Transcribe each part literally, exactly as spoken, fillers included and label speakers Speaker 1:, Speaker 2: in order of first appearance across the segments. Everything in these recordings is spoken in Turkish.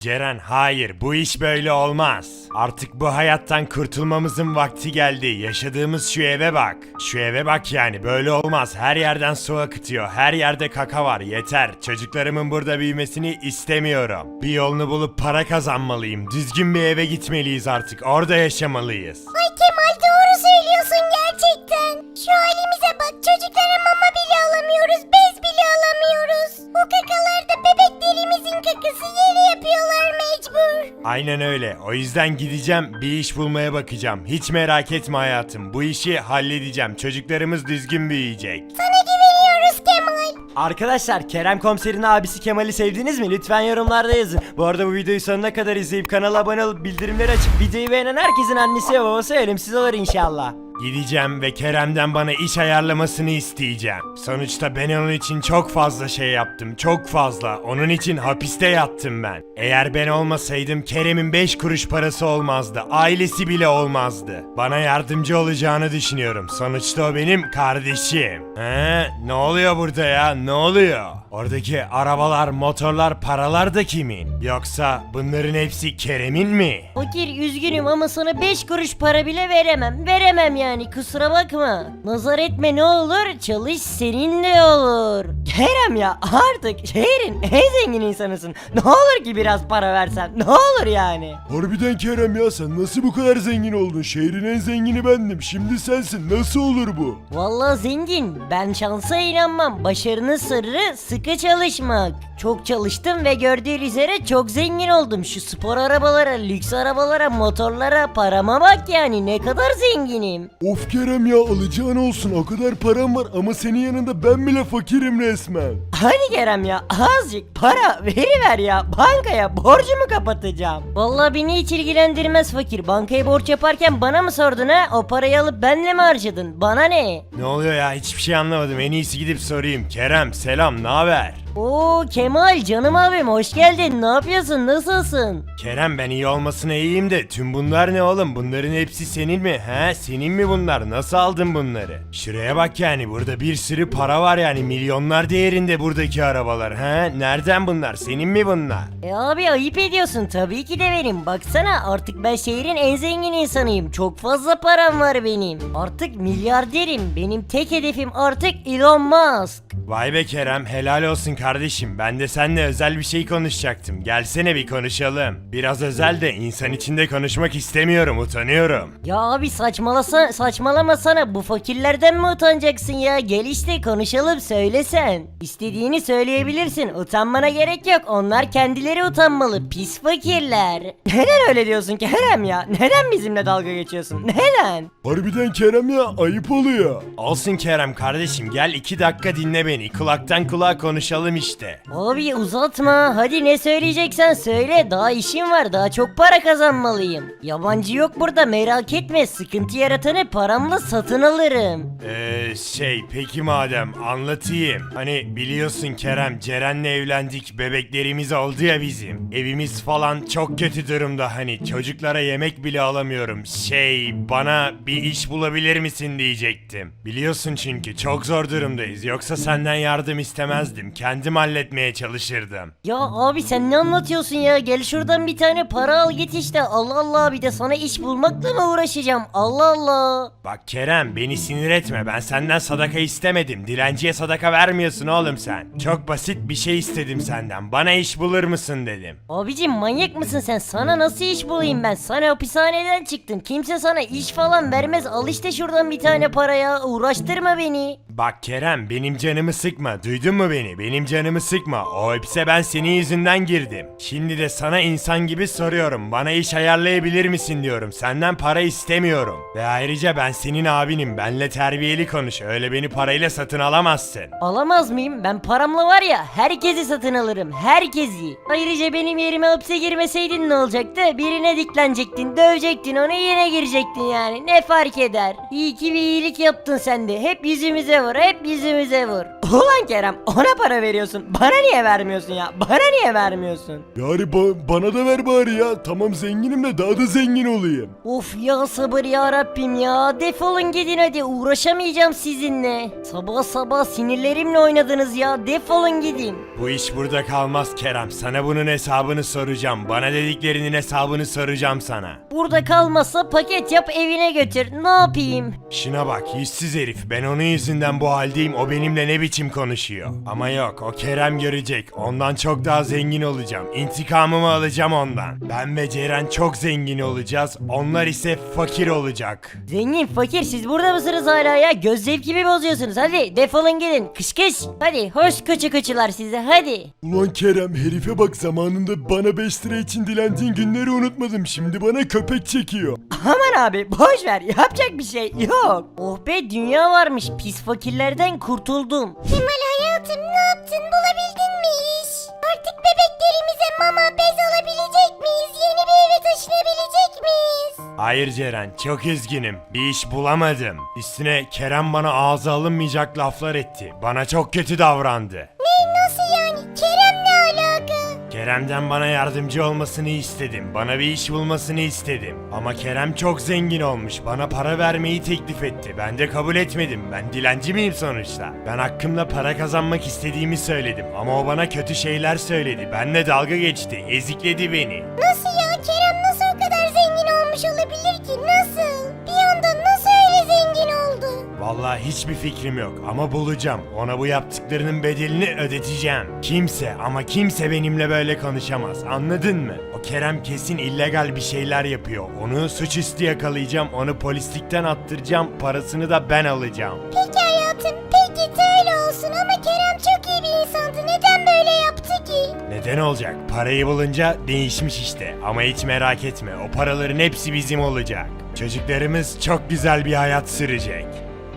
Speaker 1: Ceren, hayır, bu iş böyle olmaz. Artık bu hayattan kurtulmamızın vakti geldi. Yaşadığımız şu eve bak. Şu eve bak yani, böyle olmaz. Her yerden su akıtıyor. Her yerde kaka var. Yeter. Çocuklarımın burada büyümesini istemiyorum. Bir yolunu bulup para kazanmalıyım. Düzgün bir eve gitmeliyiz artık. Orada yaşamalıyız.
Speaker 2: Ay Kemal, doğru söylüyorsun gerçekten. Şu halimize bak, çocuklara mama bile alamıyoruz, bez bile alamıyoruz. Bu kakalar da bebeklerimizin kakası, yeri yapıyorlar mecbur.
Speaker 1: Aynen öyle. O yüzden gideceğim, bir iş bulmaya bakacağım. Hiç merak etme hayatım. Bu işi halledeceğim. Çocuklarımız düzgün büyüyecek.
Speaker 2: Sana güveniyoruz Kemal.
Speaker 3: Arkadaşlar, Kerem Komiser'in abisi Kemal'i sevdiniz mi? Lütfen yorumlarda yazın. Bu arada bu videoyu sonuna kadar izleyip kanala abone olup bildirimleri açıp videoyu beğenen herkesin annesi ve babası ölümsüz olur inşallah.
Speaker 1: Gideceğim ve Kerem'den bana iş ayarlamasını isteyeceğim. Sonuçta ben onun için çok fazla şey yaptım. Çok fazla. Onun için hapiste yattım ben. Eğer ben olmasaydım Kerem'in beş kuruş parası olmazdı. Ailesi bile olmazdı. Bana yardımcı olacağını düşünüyorum. Sonuçta o benim kardeşim. He? Ne oluyor burada ya? Ne oluyor? Oradaki arabalar, motorlar, paralar da kimin? Yoksa bunların hepsi Kerem'in mi?
Speaker 4: Fakir, üzgünüm ama sana beş kuruş para bile veremem. Veremem yani, kusura bakma. Nazar etme ne olur, çalış seninle olur.
Speaker 3: Kerem ya, artık şehrin en zengin insanısın. Ne olur ki biraz para versem, ne olur yani.
Speaker 5: Harbiden Kerem ya, sen nasıl bu kadar zengin oldun? Şehrin en zengini bendim. Şimdi sensin. Nasıl olur bu?
Speaker 4: Vallahi zengin, ben şansa inanmam. Başarının sırrı sıkı çalışmak. Çok çalıştım ve gördüğün üzere çok zengin oldum. Şu spor arabalara, lüks arabalara, motorlara, parama bak yani, ne kadar zenginim.
Speaker 5: Of Kerem ya, alacağın olsun. O kadar param var ama senin yanında ben bile fakirim resmen.
Speaker 3: Hadi Kerem ya, azıcık para veriver ya. Bankaya borcumu kapatacağım.
Speaker 4: Vallahi beni hiç ilgilendirmez fakir. Bankaya borç yaparken bana mı sordun ha? O parayı alıp benle mi harcadın? Bana ne?
Speaker 1: Ne oluyor ya? Hiçbir şey anlamadım. En iyisi gidip sorayım. Kerem, selam, ne haber?
Speaker 4: Oo Kemal, canım abim, hoş geldin. Ne yapıyorsun? Nasılsın?
Speaker 1: Kerem, ben iyi olmasına iyiyim de tüm bunlar ne oğlum? Bunların hepsi senin mi? He? Senin mi bunlar? Nasıl aldın bunları? Şuraya bak yani, burada bir sürü para var yani, milyonlar değerinde buradaki arabalar. He? Nereden bunlar? Senin mi bunlar?
Speaker 4: E abi, ayıp ediyorsun. Tabii ki de benim. Baksana, artık ben şehrin en zengin insanıyım. Çok fazla param var benim. Artık milyarderim. Benim tek hedefim artık Elon Musk.
Speaker 1: Vay be Kerem, helal olsun kardeşim. Ben de seninle özel bir şey konuşacaktım. Gelsene bir konuşalım. Biraz özel de insan içinde konuşmak istemiyorum, utanıyorum.
Speaker 4: Ya abi, saçmalasa, saçmalamasana. Bu fakirlerden mi utanacaksın ya? Gel işte konuşalım, söylesen. İstediğini söyleyebilirsin. Utanmana gerek yok. Onlar kendileri utanmalı. Pis fakirler.
Speaker 3: Neden öyle diyorsun Kerem ya? Neden bizimle dalga geçiyorsun? Neden?
Speaker 5: Harbiden Kerem ya, ayıp oluyor.
Speaker 1: Olsun Kerem kardeşim, gel iki dakika dinle beni. Kulaktan kulağa konuşalım işte.
Speaker 4: Abi uzatma. Hadi ne söyleyeceksen söyle. Daha işim var. Daha çok para kazanmalıyım. Yabancı yok burada, merak etme. Sıkıntı yaratanı paramla satın alırım.
Speaker 1: Eee şey, peki madem anlatayım. Hani biliyorsun Kerem, Ceren'le evlendik, bebeklerimiz oldu ya bizim. Evimiz falan çok kötü durumda, hani çocuklara yemek bile alamıyorum. Şey, bana bir iş bulabilir misin diyecektim. Biliyorsun çünkü çok zor durumdayız. Yoksa senden yardım istemezdim. Kendim halletmeye çalışırdım.
Speaker 4: Ya abi, sen ne anlatıyorsun ya? Gel şuradan bir tane para al git işte. Allah Allah, bir de sana iş bulmakla mı uğraşacağım? Allah Allah.
Speaker 1: Bak Kerem, beni sinir etme. Ben senden sadaka istemedim. Dilenciye sadaka vermiyorsun oğlum sen. Çok basit bir şey istedim senden. Bana iş bulur musun dedim.
Speaker 4: Abicim, manyak mısın sen? Sana nasıl iş bulayım ben? Sana hapishaneden çıktın. Kimse sana iş falan vermez. Al işte şuradan bir tane paraya. Uğraştırma beni.
Speaker 1: Bak Kerem, benim canımı sıkma. Duydun mu beni? Benim canımı sıkma. O hapse ben senin yüzünden girdim. Şimdi de sana insan gibi soruyorum. Bana iş ayarlayabilir misin diyorum. Senden para istemiyorum. Ve ayrıca ben senin abinim. Benle terbiyeli konuş. Öyle beni parayla satın alamazsın.
Speaker 4: Alamaz mıyım? Ben paramla var ya, herkesi satın alırım. Herkesi. Ayrıca benim yerime hapse girmeseydin ne olacaktı? Birine diklenecektin, dövecektin, ona yine girecektin yani. Ne fark eder? İyi ki bir iyilik yaptın sen de. Hep yüzümüze vur, hep yüzümüze vur. Ulan Kerem, ona para veriyorsun. Bana niye vermiyorsun ya? Bana niye vermiyorsun?
Speaker 5: Yani ba- bana da ver bari ya. Tamam zenginim de daha da zengin olayım.
Speaker 4: Of ya, sabır ya Rabbim ya. Defolun gidin hadi, uğraşamayacağım sizinle. Sabah sabah sinirlerimle oynadınız ya. Defolun gidin.
Speaker 1: Bu iş burada kalmaz Kerem. Sana bunun hesabını soracağım. Bana dediklerinin hesabını soracağım sana.
Speaker 4: Burada kalmazsa paket yap, evine götür. Ne yapayım?
Speaker 1: Şuna bak yüzsüz herif. Ben onun yüzünden bu haldeyim. O benimle ne biçim konuşuyor. Ama yok, o Kerem görecek. Ondan çok daha zengin olacağım. İntikamımı alacağım ondan. Ben ve Ceren çok zengin olacağız. Onlar ise fakir olacak.
Speaker 4: Zengin fakir, siz burada mısınız hala ya? Göz zevkimi bozuyorsunuz. Hadi defolun gidin. Kış kış. Hadi hoş kıçı kıçılar size, hadi.
Speaker 5: Ulan Kerem herife bak, zamanında bana beş lira için dilendiğin günleri unutmadım. Şimdi bana köpek çekiyor.
Speaker 4: Aman abi boş ver, yapacak bir şey yok. Oh be, dünya varmış, pis fakirlerden kurtuldum.
Speaker 2: Kemal hayatım ne yaptın, bulabildin mi iş? Artık bebeklerimize mama, bez alabilecek miyiz? Yeni bir eve taşınabilecek miyiz?
Speaker 1: Hayır Ceren, çok üzgünüm. Bir iş bulamadım. Üstüne Kerem bana ağza alınmayacak laflar etti. Bana çok kötü davrandı.
Speaker 2: Ne, nasıl yani? Kerem ne alaka?
Speaker 1: Kerem'den bana yardımcı olmasını istedim. Bana bir iş bulmasını istedim. Ama Kerem çok zengin olmuş. Bana para vermeyi teklif etti. Ben de kabul etmedim. Ben dilenci miyim sonuçta? Ben hakkımda para kazanmak istediğimi söyledim. Ama o bana kötü şeyler söyledi. Benle dalga geçti. Ezikledi beni.
Speaker 2: Nasıl ya? Kerem nasıl o kadar zengin olmuş olabilir ki? Nasıl? Bir anda nasıl öyle zengin oldu?
Speaker 1: Vallahi hiçbir fikrim yok ama bulacağım. Ona bu yaptıklarının bedelini ödeteceğim. Kimse ama kimse benimle böyle konuşamaz. Anladın mı? O Kerem kesin illegal bir şeyler yapıyor. Onu suçüstü yakalayacağım. Onu polislikten attıracağım. Parasını da ben alacağım.
Speaker 2: Peki hayatım, peki öyle olsun ama Kerem çok iyi bir insandı. Neden böyle yaptı ki?
Speaker 1: Neden olacak? Parayı bulunca değişmiş işte. Ama hiç merak etme. O paraların hepsi bizim olacak. Çocuklarımız çok güzel bir hayat sürecek.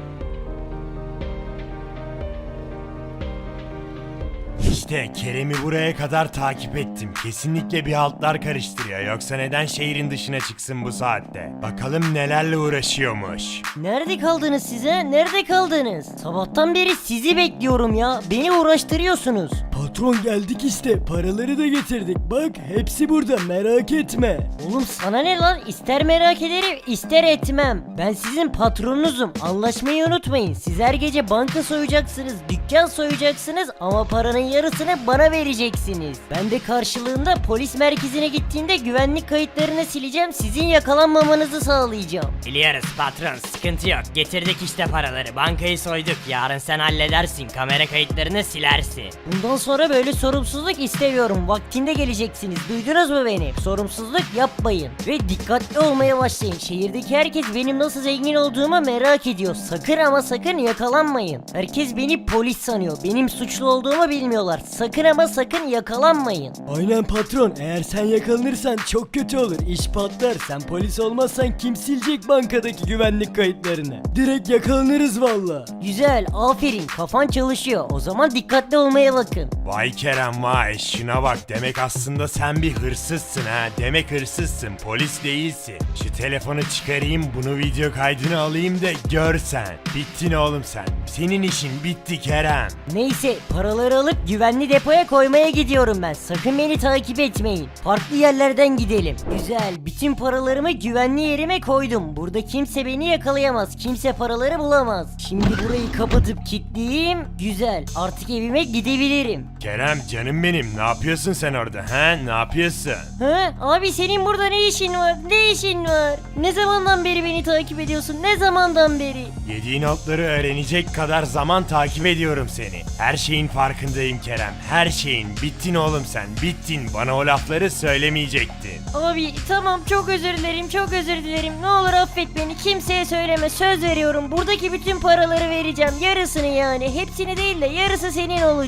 Speaker 1: İşte Kerem'i buraya kadar takip ettim. Kesinlikle bir haltlar karıştırıyor. Yoksa neden şehrin dışına çıksın bu saatte? Bakalım nelerle uğraşıyormuş.
Speaker 4: Nerede kaldınız size? Nerede kaldınız? Sabahtan beri sizi bekliyorum ya. Beni uğraştırıyorsunuz.
Speaker 3: Patron geldik işte, paraları da getirdik. Bak hepsi burada, merak etme.
Speaker 4: Oğlum sana ne lan? İster merak ederim, ister etmem. Ben sizin patronunuzum. Anlaşmayı unutmayın. Siz her gece banka soyacaksınız, dükkan soyacaksınız ama paranın yarısını bana vereceksiniz. Ben de karşılığında polis merkezine gittiğinde güvenlik kayıtlarını sileceğim. Sizin yakalanmamanızı sağlayacağım.
Speaker 6: Biliyoruz patron, sıkıntı yok. Getirdik işte paraları, bankayı soyduk. Yarın sen halledersin, kamera kayıtlarını silersin.
Speaker 4: Bundan sonra böyle sorumsuzluk istemiyorum. Vaktinde geleceksiniz. Duydunuz mu beni? Sorumsuzluk yapmayın. Ve dikkatli olmaya başlayın. Şehirdeki herkes benim nasıl zengin olduğumu merak ediyor. Sakın ama sakın yakalanmayın. Herkes beni polis sanıyor. Benim suçlu olduğumu bilmiyorlar. Sakın ama sakın yakalanmayın.
Speaker 3: Aynen patron, eğer sen yakalanırsan çok kötü olur. İş patlar. Sen polis olmazsan kim silecek bankadaki güvenlik kayıtlarını? Direkt yakalanırız valla.
Speaker 4: Güzel, aferin. Kafan çalışıyor. O zaman dikkatli olmaya bakın.
Speaker 1: Vay Kerem vay, şuna bak, demek aslında sen bir hırsızsın ha. Demek hırsızsın, polis değilsin. Şu telefonu çıkarayım, bunu video kaydını alayım da görsen. Bittin oğlum sen. Senin işin bitti Kerem.
Speaker 4: Neyse, paraları alıp güvenli depoya koymaya gidiyorum ben. Sakın beni takip etmeyin. Farklı yerlerden gidelim. Güzel, bütün paralarımı güvenli yerime koydum. Burada kimse beni yakalayamaz. Kimse paraları bulamaz. Şimdi burayı kapatıp kilitleyeyim. Güzel, artık evime gidebilirim.
Speaker 1: Kerem canım benim, ne yapıyorsun sen orada ha? Ne yapıyorsun?
Speaker 4: Ha? Abi senin burada ne işin var? Ne işin var? Ne zamandan beri beni takip ediyorsun? Ne zamandan beri?
Speaker 1: Yediğin otları öğrenecek kadar zaman takip ediyorum seni. Her şeyin farkındayım Kerem. Her şeyin. Bittin oğlum sen. Bittin. Bana o lafları söylemeyecektin.
Speaker 4: Abi tamam, çok özür dilerim, çok özür dilerim. Ne olur affet beni, kimseye söyleme, söz veriyorum. Buradaki bütün paraları vereceğim, yarısını yani. Hepsini değil de yarısı senin olacak.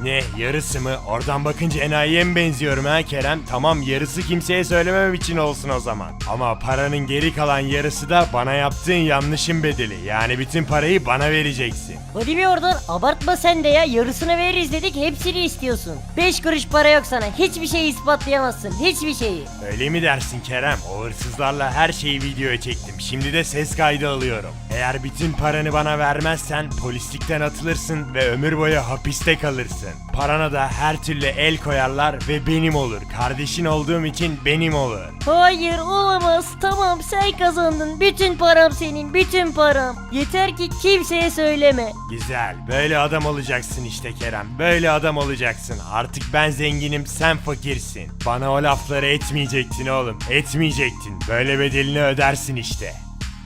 Speaker 1: Ne, yarısı mı? Oradan bakınca enayiye mi benziyorum ha Kerem? Tamam, yarısı kimseye söylememem için olsun o zaman. Ama paranın geri kalan yarısı da bana yaptığın yanlışın bedeli. Yani bütün parayı bana vereceksin.
Speaker 4: Hadi bir oradan, abartma sen de ya, yarısını veririz dedik, hepsini istiyorsun. beş kuruş para yok sana, hiçbir şeyi ispatlayamazsın, hiçbir şeyi.
Speaker 1: Öyle mi dersin Kerem? O hırsızlarla her şeyi videoya çektim. Şimdi de ses kaydı alıyorum. Eğer bütün paranı bana vermezsen polislikten atılırsın ve ömür boyu hapiste kalırsın. Parana da her türlü el koyarlar ve benim olur. Kardeşin olduğum için benim olur.
Speaker 4: Hayır, olamaz, tamam sen kazandın, bütün param senin, bütün param. Yeter ki kimseye söyleme.
Speaker 1: Güzel. Böyle adam olacaksın işte Kerem. Böyle adam olacaksın. Artık ben zenginim, sen fakirsin. Bana o lafları etmeyecektin oğlum. Etmeyecektin. Böyle bedelini ödersin işte.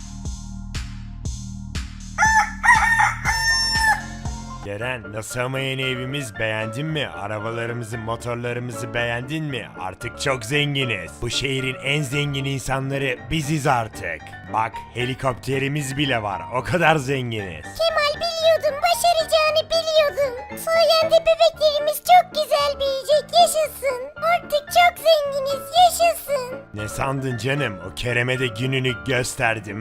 Speaker 1: Ceren, nasıl ama yeni evimiz, beğendin mi? Arabalarımızı, motorlarımızı beğendin mi? Artık çok zenginiz. Bu şehrin en zengin insanları biziz artık. Bak, helikopterimiz bile var. O kadar zenginiz.
Speaker 2: Kemal, biliyordum, başaracağını biliyordum. Sayende bebeklerimiz çok güzel büyüyecek, yaşasın. Artık çok zenginiz, yaşasın.
Speaker 1: Ne sandın canım? O Kerem'e de gününü gösterdim.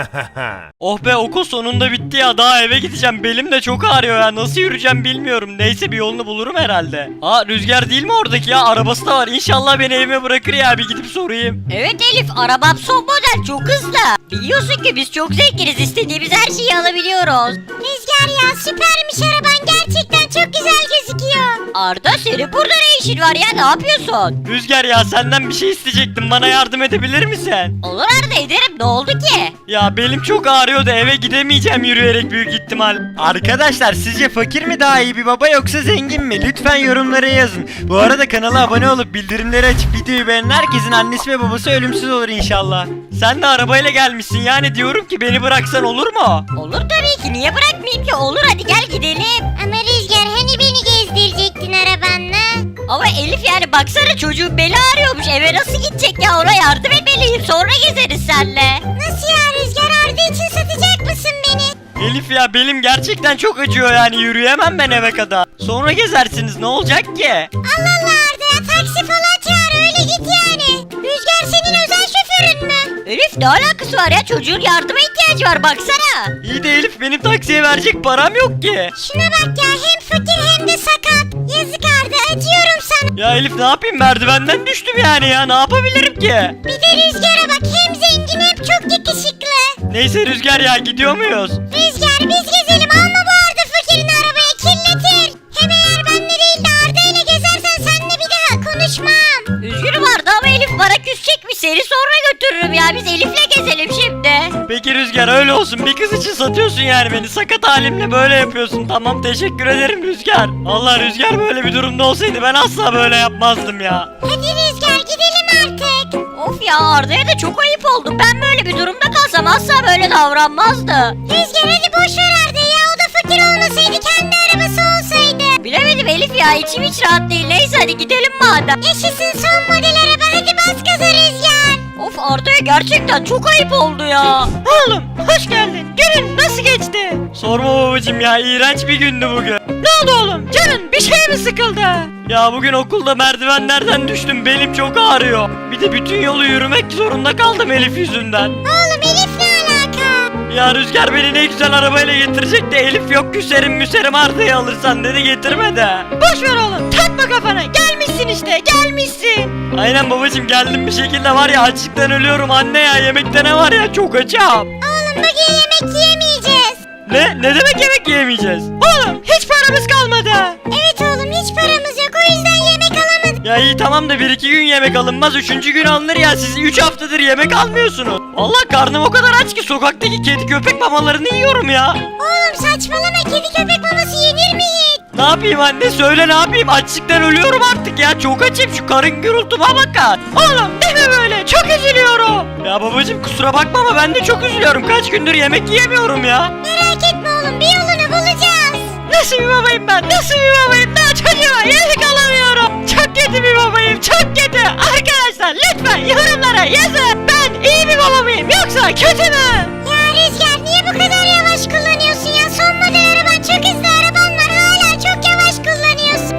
Speaker 7: Oh be, okul sonunda bitti ya, daha eve gideceğim, belim de çok ağrıyor ya, nasıl yürüyeceğim bilmiyorum, neyse bir yolunu bulurum herhalde. Aa, Rüzgar değil mi oradaki ya, arabası da var, İnşallah beni evime bırakır ya, bir gidip sorayım.
Speaker 8: Evet Elif, arabam son model, çok hızlı. Biliyorsun ki biz çok zenginiz, istediğimiz her şeyi alabiliyoruz.
Speaker 2: Rüzgar ya, süpermiş araban, gerçekten çok güzel gözüküyor.
Speaker 8: Arda, senin burada ne işin var ya, ne yapıyorsun?
Speaker 7: Rüzgar ya, senden bir şey isteyecektim, bana yardım edebilir misin?
Speaker 8: Olur Arda, ederim, ne oldu ki?
Speaker 7: Ya belim çok ağrıyor da eve gidemeyeceğim yürüyerek büyük ihtimal.
Speaker 3: Arkadaşlar, sizce fakir mi daha iyi bir baba yoksa zengin mi? Lütfen yorumlara yazın. Bu arada kanala abone olup bildirimleri açıp videoyu beğenen herkesin annesi ve babası ölümsüz olur inşallah.
Speaker 7: Sen de arabayla gelmişsin, yani diyorum ki beni bıraksan olur mu?
Speaker 8: Olur tabii ki, niye bırakmayayım ki, olur, hadi gel gidelim.
Speaker 2: Ama Rüzgar, hani beni gezdirecektin arabanla?
Speaker 8: Ama Elif, yani baksana, çocuğun beli ağrıyormuş, eve nasıl gidecek ya, ona yardım etmeliyim, sonra gezeriz senle.
Speaker 2: Nasıl ya Rüzgar, Arda için satacak mısın beni?
Speaker 7: Elif ya, belim gerçekten çok acıyor, yani yürüyemem ben eve kadar. Sonra gezersiniz, ne olacak ki?
Speaker 2: Allah Allah Arda ya, taksi falan çağır, öyle git yani. Rüzgar senin özel şoförün mü?
Speaker 8: Elif, ne alakası var ya, çocuğun yardıma ihtiyacı var, baksana.
Speaker 7: İyi de Elif, benim taksiye verecek param yok ki.
Speaker 2: Şuna bak ya, hem fakir hem de sakat. Yazık Arda, acıyorum sana.
Speaker 7: Ya Elif, ne yapayım, merdivenden düştüm yani ya, ne yapabilirim ki?
Speaker 2: Bir de Rüzgar'a bak, hem zengin hem çok yakışıklı.
Speaker 7: Neyse Rüzgar ya, gidiyor muyuz?
Speaker 2: Rüzgar, biz gezelim, alma bu Arda fakirin arabayı, kirletir. Hem eğer benle değil de Arda ile gezersen seninle bir daha konuşmam.
Speaker 8: Üzgünüm Arda ama Elif bana küsecekmiş, seni sonra götürürüm ya, biz Elif'le gezelim şimdi.
Speaker 7: Peki Rüzgar, öyle olsun, bir kız için satıyorsun yani beni, sakat halimle böyle yapıyorsun. Tamam, teşekkür ederim Rüzgar. Allah, Rüzgar böyle bir durumda olsaydı ben asla böyle yapmazdım ya.
Speaker 2: Hadi Rüzgar, gidelim artık.
Speaker 8: Of ya, Arda'ya da çok ayıp oldu, ben böyle bir durumda kalsam asla böyle davranmazdı.
Speaker 2: Rüzgar hadi boş ver Arda ya, o da fakir olmasaydı, kendi arabası olsaydı.
Speaker 8: Bilemedim Elif ya, içim hiç rahat değil, neyse hadi gidelim madem.
Speaker 2: Yaşasın son model araba, hadi bas gaza Rüzgar.
Speaker 8: Of, Arda'ya gerçekten çok ayıp oldu ya.
Speaker 7: Oğlum, hoş geldin. Günün nasıl geçti? Sorma babacım ya, iğrenç bir gündü bugün. Ne oldu oğlum? Canın bir şey mi sıkıldı? Ya bugün okulda merdivenlerden düştüm, belim çok ağrıyor. Bir de bütün yolu yürümek zorunda kaldım Elif yüzünden.
Speaker 2: Oğlum Elif ne alaka?
Speaker 7: Ya Rüzgar beni ne güzel arabayla getirecek de Elif yok, küserim müserim, Arda'yı alırsan dedi, getirme de.
Speaker 8: Boş ver oğlum, takma kafana, gelmişsin işte, gelmişsin.
Speaker 7: Aynen babacım, geldim bir şekilde, var ya açlıktan ölüyorum anne ya, yemekte ne var ya, çok açım.
Speaker 2: Oğlum bugün yemek yiyemeyeceğiz.
Speaker 7: Ne? Ne demek yemek yiyemeyeceğiz?
Speaker 8: Oğlum, hiç paramız kalmadı.
Speaker 2: Evet oğlum, hiç paramız yok, o yüzden yemek alamadık.
Speaker 7: Ya iyi tamam da bir iki gün yemek alınmaz, üçüncü gün alınır ya, siz üç haftadır yemek almıyorsunuz. Vallahi karnım o kadar aç ki sokaktaki kedi köpek mamalarını yiyorum ya.
Speaker 2: Oğlum saçmalama, kedi köpek maması yenir mi hiç?
Speaker 7: Ne yapayım anne, söyle ne yapayım, açlıktan ölüyorum artık ya, çok açım, şu karın gürültüme bakar.
Speaker 8: Oğlum deme böyle, çok üzülüyorum.
Speaker 7: Ya babacım kusura bakma ama ben de çok üzülüyorum, kaç gündür yemek yiyemiyorum ya.
Speaker 2: Merak etme oğlum, bir yolunu bulacağız.
Speaker 8: Nasıl bir babayım ben, nasıl bir babayım, daha çocuğa yemek alamıyorum. Çok kötü bir babayım, çok kötü. Arkadaşlar lütfen yorumlara yazın, ben iyi bir baba mıyım yoksa kötü mü?
Speaker 2: Ya Rüzgar, niye bu kadar yavaş kullanıyorsun ya? Son model araban, çok hızlı araban var, hala çok yavaş kullanıyorsun.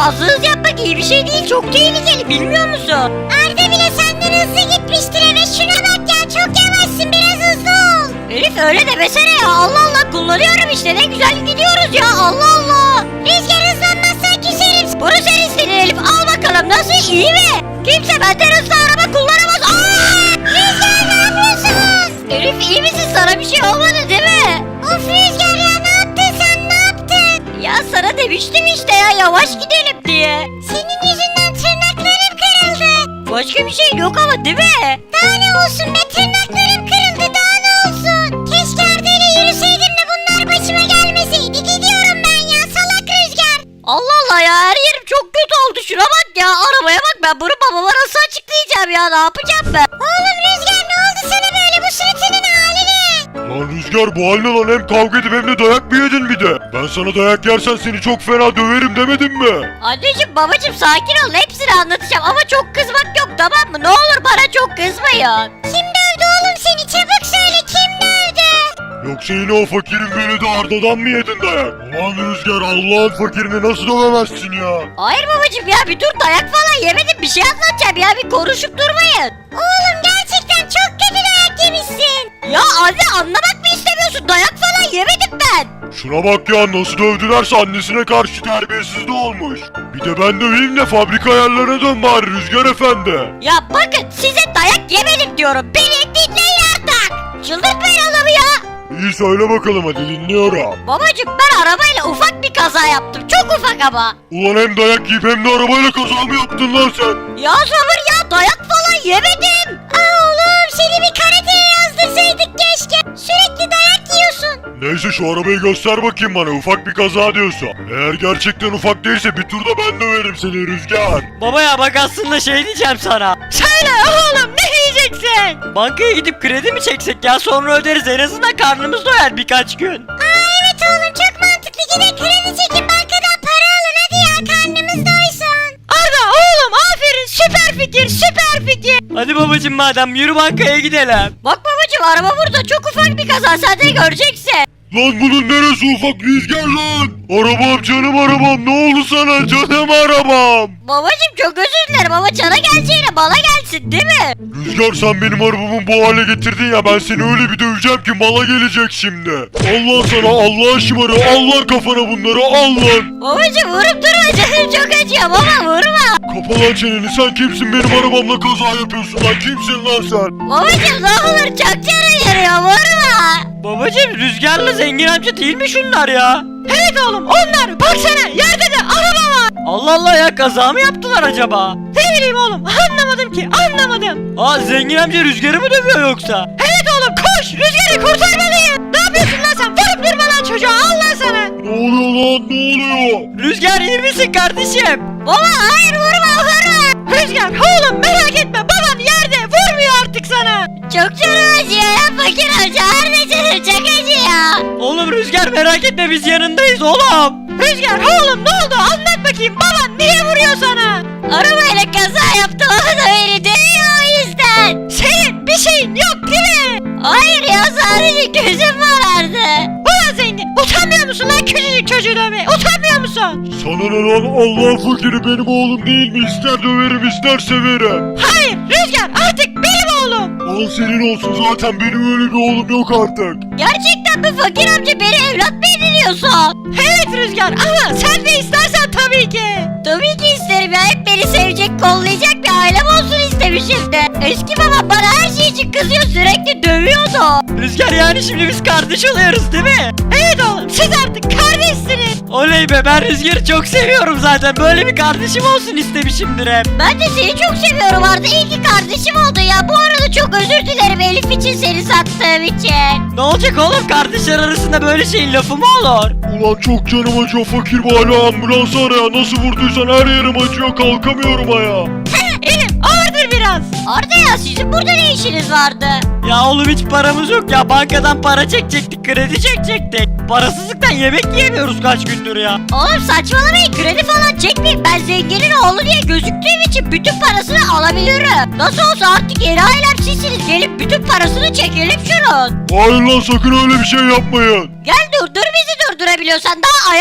Speaker 4: fazla hız yapmak iyi bir şey değil. Çok tehlikeli, bilmiyor musun?
Speaker 2: Arda bile senden hızlı gitmiştir eve. Şuna bak ya, çok yavaşsın, biraz hızlı ol.
Speaker 4: Elif öyle demesene ya. Allah Allah, kullanıyorum işte, ne güzel gidiyoruz ya. Allah Allah.
Speaker 2: Rüzgar hızlanmazsa küserim.
Speaker 4: Bunu sen istedin Elif, al bakalım. Nasıl, iyi mi? Kimse benden hızlı araba kullanamaz. Aa!
Speaker 2: Rüzgar ne yapıyorsun?
Speaker 4: Elif iyi misin? Sana bir şey olmadı değil mi?
Speaker 2: Of Rüzgar ya, ne yaptın sen, ne yaptın?
Speaker 4: Ya sana demiştim işte ya, yavaş gidelim diye.
Speaker 2: Senin yüzünden tırnaklarım kırıldı.
Speaker 4: Başka bir şey yok ama değil mi?
Speaker 2: Daha ne olsun be, tırnaklarım kırıldı, daha ne olsun? Keşke Arda ile yürüseydim de bunlar başıma gelmeseydi. Gidiyorum ben ya, salak Rüzgar.
Speaker 4: Allah Allah ya, her yerim çok kötü oldu. Şuna bak ya, arabaya bak, ben bunu babama nasıl açıklayacağım ya, ne yapacağım ben?
Speaker 2: Oğlum Rüzgar, ne oldu sana böyle, bu suratının hali ne?
Speaker 5: Lan Rüzgar, bu haline lan hem kavga edip hem de dayak mı yedin bir de? Ben sana dayak yersen seni çok fena döverim demedim mi?
Speaker 4: Anneciğim babacığım sakin ol, hepsini anlatacağım ama çok kızmak yok, tamam mı? Ne olur bana çok kızmayın.
Speaker 2: Kim dövdü oğlum seni, çabuk söyle, kim dövdü?
Speaker 5: Yoksa yine o fakirin beni de Arda'dan mı yedin dayak? Ulan Rüzgar, Allah'ın fakirini nasıl dövemezsin ya?
Speaker 4: Hayır babacığım ya, bir dur, dayak falan yemedim, bir şey anlatacağım ya, bir konuşup durmayın.
Speaker 2: Oğlum gerçekten çok kötü dayak yemişsin.
Speaker 4: Ya anne, anlamak mı istemiyorsun? Dayak falan yemedim ben.
Speaker 5: Şuna bak ya, nasıl dövdülerse annesine karşı terbiyesiz de olmuş. Bir de ben döveyim de fabrika ayarlarına dön bari Rüzgar efendi.
Speaker 4: Ya bakın, size dayak yemedim diyorum, beni dinleyin artık. Çıldırtmayın adamı ya.
Speaker 5: İyi, söyle bakalım, hadi dinliyorum.
Speaker 4: Babacığım ben arabayla ufak bir kaza yaptım, çok ufak ama.
Speaker 5: Ulan hem dayak yiyip hem de arabayla kaza mı yaptın lan sen?
Speaker 4: Ya sabır ya, dayak falan yemedim.
Speaker 2: Aa oğlum, seni bir karateye yazdırsaydık keşke. Sürekli dayak yiyorsun.
Speaker 5: Neyse, şu arabayı göster bakayım bana, ufak bir kaza diyorsa. Eğer gerçekten ufak değilse bir turda ben döverim seni Rüzgar.
Speaker 7: Baba ya bak, aslında şey diyeceğim sana.
Speaker 8: Söyle oğlum, ne yiyeceksin?
Speaker 7: Bankaya gidip kredi mi çeksek ya, sonra öderiz, en azından karnımız doyar birkaç gün.
Speaker 2: Aa evet oğlum, çok mantıklı, gidin kredi çekin, bankadan para alın hadi ya, karnımız doysun.
Speaker 8: Arda oğlum, aferin, süper fikir, süper fikir.
Speaker 7: Hadi babacım, madem yürü bankaya gidelim.
Speaker 4: Bak babacığım, araba burada, çok ufak bir kaza, sen de göreceksin.
Speaker 5: Lan bunun neresi ufak Rüzgar lan? Arabam, canım arabam, ne oldu sana canım arabam?
Speaker 4: Babacığım çok özür dilerim ama cana geleceğine bana gelsin değil mi?
Speaker 5: Rüzgar, sen benim arabamı bu hale getirdin ya, ben seni öyle bir döveceğim ki mala gelecek şimdi. Allah sana, Allah şımarı, Allah kafana bunları, al lan.
Speaker 4: Babacığım vurup durma, canım çok acıyor baba, vurma.
Speaker 5: Kapa lan çeneni, sen kimsin benim arabamla kaza yapıyorsun lan, kimsin lan sen?
Speaker 4: Babacığım ne olur, çok canım yarıyor, vurma.
Speaker 7: Babacım, Rüzgar'la Zengin amca değil mi şunlar ya?
Speaker 8: Evet oğlum, onlar, baksana, yerde de araba var.
Speaker 7: Allah Allah ya, kaza mı yaptılar acaba?
Speaker 8: Ne bileyim oğlum, anlamadım ki, anlamadım.
Speaker 7: Aa, Zengin amca Rüzgar'ı mı dövüyor yoksa?
Speaker 8: Evet oğlum, koş, Rüzgar'ı kurtarmalıyım. Ne yapıyorsun lan sen, vurup durma lan çocuğa, Allah sana.
Speaker 5: Ne oluyor lan, ne oluyor?
Speaker 7: Rüzgar, iyi misin kardeşim?
Speaker 4: Baba hayır, vurma vurma.
Speaker 8: Rüzgar, oğlum merak etme, baban yerde, vurmuyor artık sana.
Speaker 4: Çok canım acıyor ya, fakir amca, harbi canım çok acıyor.
Speaker 7: Oğlum Rüzgar, merak etme, biz yanındayız oğlum.
Speaker 8: Rüzgar, oğlum ne oldu, anlat bakayım, baban niye vuruyor sana?
Speaker 4: Arabayla kaza yaptım, o da beni dövüyor o yüzden.
Speaker 8: Senin bir şeyin yok değil mi?
Speaker 4: Hayır ya, sadece gözüm varardı.
Speaker 8: Ulan zengin, utanmıyor musun lan küçücük çocuğu dövmeye, utanmıyor musun?
Speaker 5: Sana ne lan, Allah fakiri benim oğlum değil mi? İster döverim ister severim.
Speaker 8: Hayır Rüzgar, artık benim oğlum.
Speaker 5: Al senin olsun, zaten benim öyle bir oğlum yok artık.
Speaker 4: Gerçekten mi fakir amca, beni evlat mı ediniyorsun?
Speaker 8: Evet Rüzgar, ama sen de istersen tabii ki.
Speaker 4: Tabii ki isterim ya, hep beni sevecek, kollayacak bir ailem olsun istemişim de. Eski babam bana her şey için kızıyor, sürekli dövüyordu.
Speaker 7: Rüzgar, yani şimdi biz kardeş oluyoruz değil mi?
Speaker 8: Evet oğlum, siz artık kardeşsiniz.
Speaker 7: Oley be, ben Rüzgar'ı çok seviyorum zaten, böyle bir kardeşim olsun istemişimdir hep.
Speaker 4: Ben de seni çok seviyorum Arda, iyi ki kardeşim oldu ya. Bu arada çok özür dilerim Elif için, seni sattığım için.
Speaker 7: Ne olacak oğlum, kardeşler arasında böyle şeyin lafı mı olur?
Speaker 5: Ulan çok canım acıyor fakir, bu hala ambulans ara ya, nasıl vurduysan her yerim acıyor, kalkamıyorum ayağa.
Speaker 8: Elif, ağırdır biraz.
Speaker 4: Arda ya, sizin burada ne işiniz vardı?
Speaker 7: Ya oğlum, hiç paramız yok ya, bankadan para çekecektik, kredi çekecektik. Parasızlıktan yemek yiyemiyoruz kaç gündür ya.
Speaker 4: Oğlum saçmalamayın, kredi falan çekmeyin. Ben zenginin oğlu diye gözüktüğüm için bütün parasını alabilirim. Nasıl olsa artık yeni ailem sizsiniz, gelip bütün parasını çekelim şunun.
Speaker 5: Hayır lan, sakın öyle bir şey yapmayın.
Speaker 4: Gel durdur bizi, durdurabiliyorsan daha ayağa kalk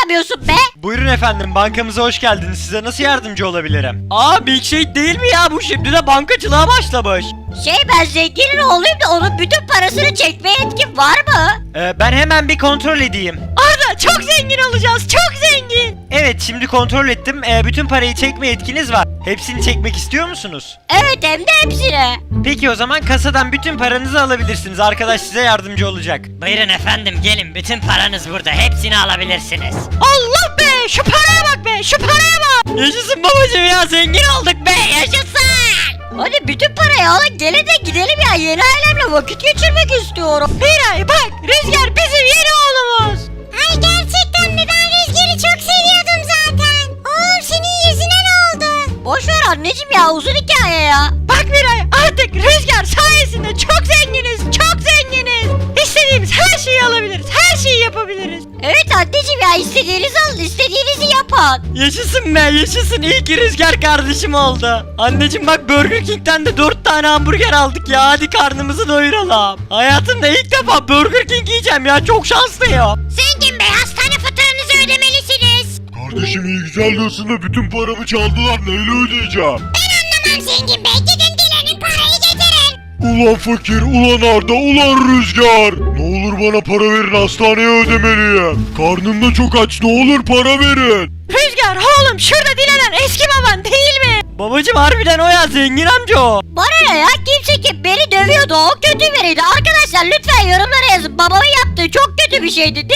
Speaker 4: çıkamıyorsun be?
Speaker 3: Buyurun efendim, bankamıza hoş geldiniz. Size nasıl yardımcı olabilirim?
Speaker 7: Aa milkshake değil mi ya bu, şimdi de bankacılığa başlamış.
Speaker 4: Şey, ben zenginin oğluyum da onun bütün parasını çekme yetkim var mı?
Speaker 3: Ee, ben hemen bir kontrol edeyim.
Speaker 8: Arda çok zengin olacağız, çok zengin.
Speaker 3: Evet, şimdi kontrol ettim. Ee, bütün parayı çekme yetkiniz var. Hepsini çekmek istiyor musunuz?
Speaker 4: Evet, hem de hepsini.
Speaker 3: Peki o zaman kasadan bütün paranızı alabilirsiniz. Arkadaş size yardımcı olacak.
Speaker 6: Buyurun efendim gelin bütün paranız burada hepsini alabilirsiniz.
Speaker 8: Allah be, şu paraya bak be, şu paraya bak.
Speaker 7: Yaşasın babacım ya, zengin olduk be, yaşasın.
Speaker 4: Hadi bütün parayı alın, gelin de gidelim ya, yeni ailemle vakit geçirmek istiyorum.
Speaker 8: Miray bak, Rüzgar bizim yeni oğlumuz.
Speaker 2: Ay gerçekten mi? Ben Rüzgar'ı çok seviyordum zaten. Oğlum senin yüzüne ne oldu?
Speaker 4: Boş ver anneciğim ya, uzun hikaye ya.
Speaker 8: Bak Miray, artık Rüzgar sayesinde çok zenginiz, çok zenginiz. İstediğimiz her şeyi alabiliriz, her şeyi yapabiliriz.
Speaker 4: Evet anneciğim ya, istediğinizi alın, istediğinizi yapın.
Speaker 7: Yaşasın be, yaşasın, iyi ki Rüzgar kardeşim oldu. Anneciğim bak, Burger King'den de dört tane hamburger aldık ya, hadi karnımızı doyuralım. Hayatımda ilk defa Burger King yiyeceğim ya, çok şanslıyım.
Speaker 2: Zengin Bey, hastane faturanızı ödemelisiniz.
Speaker 5: Kardeşim iyi güzel diyorsun da bütün paramı çaldılar, neyle ödeyeceğim?
Speaker 2: Tamam Zengin Bey, gidin dilenin parayı getirin.
Speaker 5: Ulan fakir, ulan Arda, ulan Rüzgar. Ne olur bana para verin, hastaneye ödemeliyim. Karnım da çok aç, ne olur para verin.
Speaker 8: Rüzgar oğlum, şurada dilenen eski baban değil mi?
Speaker 7: Babacım harbiden o ya, zengin amca o.
Speaker 4: Bana ne ya, kimse ki beni dövüyordu, o kötü biriydi. Arkadaşlar lütfen yorumlara yazın, babamın yaptığı çok kötü bir şeydi değil